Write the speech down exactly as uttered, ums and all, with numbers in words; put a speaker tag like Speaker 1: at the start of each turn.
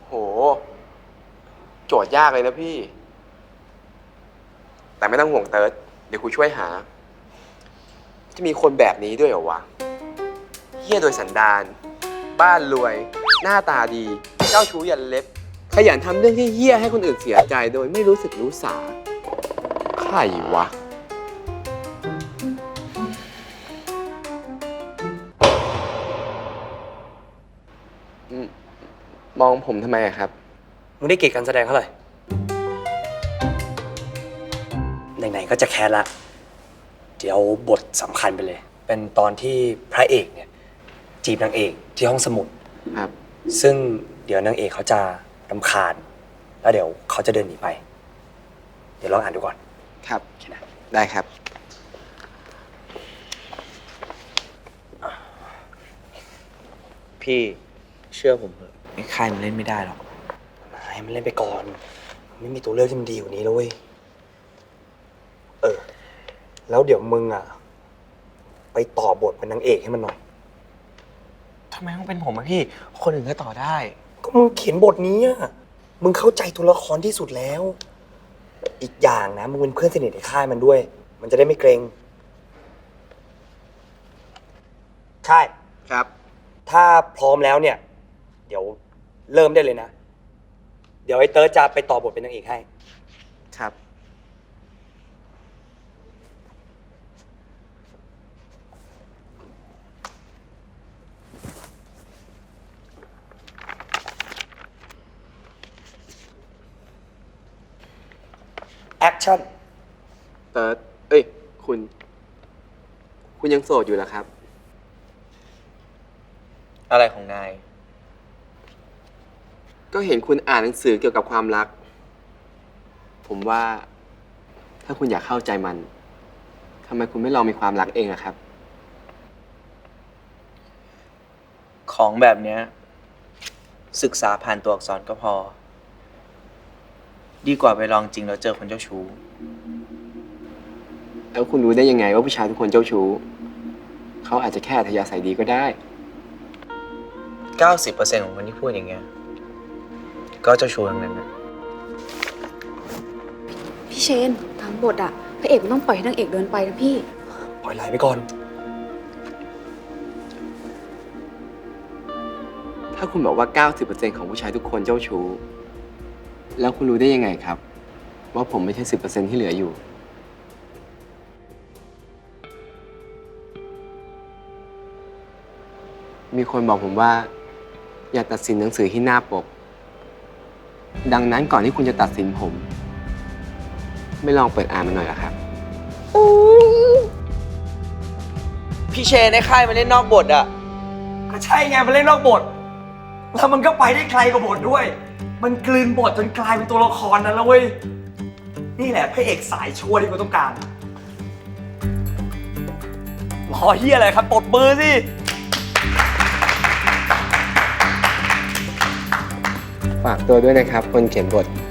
Speaker 1: โหโจทย์ยากเลยนะพี่ แต่ไม่ต้องห่วงเติร์ดเดี๋ยวครูช่วยหา จะมีคนแบบนี้ด้วยเหรอวะเฮี้ยโดยสันดานบ้านรวย หน้าตาดี เจ้าชู้ยันเล็บ ขยันทำเรื่องที่เฮี้ยให้คนอื่นเสียใจโดยไม่รู้สึกรู้สาใครวะมองผมทำไมอะครับ
Speaker 2: มึงได้เกรดการแสดงเท่าไหร่ไหนๆก็จะแคสละเดี๋ยวบทสำคัญไปเลย เป็นตอนที่พระเอกเนี่ยจีบนางเอกที่ห้องสมุด
Speaker 1: ครับ
Speaker 2: ซึ่งเดี๋ยวนางเอกเขาจะรำคาญ แล้วเดี๋ยวเขาจะเดินหนีไป เดี๋ยวลองอ่านดูก่อน
Speaker 1: ครับ ได้ครับ
Speaker 3: พี่เชื่อผมเถอะไอ้ค่ายมันเล่นไม่ได้หรอก
Speaker 2: ให้มันเล่นไปก่อน ไม่มีตัวเลือกที่มันดีกว่านี้แล้วเว้ย เออ แล้วเดี๋ยวมึงอ่ะ ไปต่อบทเป็นนางเอกให้มันหน่อย
Speaker 3: ทำไมต้องเป็นผมอะพี่ คนอื่นก็ต่อได้
Speaker 2: ก็มึงเขียนบทนี้อ่ะ มึงเข้าใจตัวละครที่สุดแล้ว อีกอย่างนะ มึงเป็นเพื่อนสนิทในค่ายมันด้วย มันจะได้ไม่เกรง ใช่
Speaker 1: ครับ
Speaker 2: ถ้าพร้อมแล้วเนี่ย เดี๋ยวเริ่มได้เลยนะ เดี๋ยวไอ้เติร์ดจะไปต่อบทเป็นนางเอกให้
Speaker 1: ครับ
Speaker 2: แอคชั่น
Speaker 1: เติร์ดเอ้ย คุณ คุณยังโสดอยู่เหรอครับ
Speaker 3: อะไรของนาย
Speaker 1: ก็เห็นคุณอ่านหนังสือเกี่ยวกับความรัก ผมว่า ถ้าคุณอยากเข้าใจมัน ทำไมคุณไม่ลองมีความรักเองอะครับ
Speaker 3: ของแบบเนี้ยศึกษาผ่านตัวอักษรก็พอ ดีกว่าไปลองจริงแล้วเจอคนเจ้าชู้
Speaker 1: แล้วคุณรู้ได้ยังไงว่าผู้ชายทุกคนเจ้าชู้ เขาอาจจะแค่อัธยาศัยดีก็ได้
Speaker 3: เก้าสิบเปอร์เซ็นต์ ของคนที่พูดอย่างเงี้ย ก็เจ้าชู้ทั้งนั้นนะ
Speaker 4: พี่เชนตามบทอะพระเอกมันต้องปล่อยให้นางเอกเดินไปนะพี่
Speaker 2: ปล่อยไหลไปก่อน
Speaker 1: ถ้าคุณบอกว่า เก้าสิบเปอร์เซ็นต์ ของผู้ชายทุกคนเจ้าชู้ แล้วคุณรู้ได้ยังไงครับ ว่าผมไม่ใช่ สิบเปอร์เซ็นต์ ที่เหลืออยู่ มีคนบอกผมว่า อย่าตัดสินหนังสือที่หน้าปก ดังนั้นก่อนที่คุณจะตัดสินผม ไม่ลองเปิดอ่านมันหน่อยเหรอครับ
Speaker 3: พี่เชนในค่ายมันเล่นนอกบทอะ
Speaker 2: ก็ใช่ไงมันเล่นนอกบท แล้วมันก็ไปได้ไกลกว่าบทด้วย มันกลืนบทจนกลายเป็นตัวละครนั้นแล้วเว้ย นี่แหละพระเอกสายชั่วที่กูต้องการ รอเฮียอะไรครับปรบมือสิ
Speaker 1: ฝากตัวด้วยนะครับ คนเขียนบท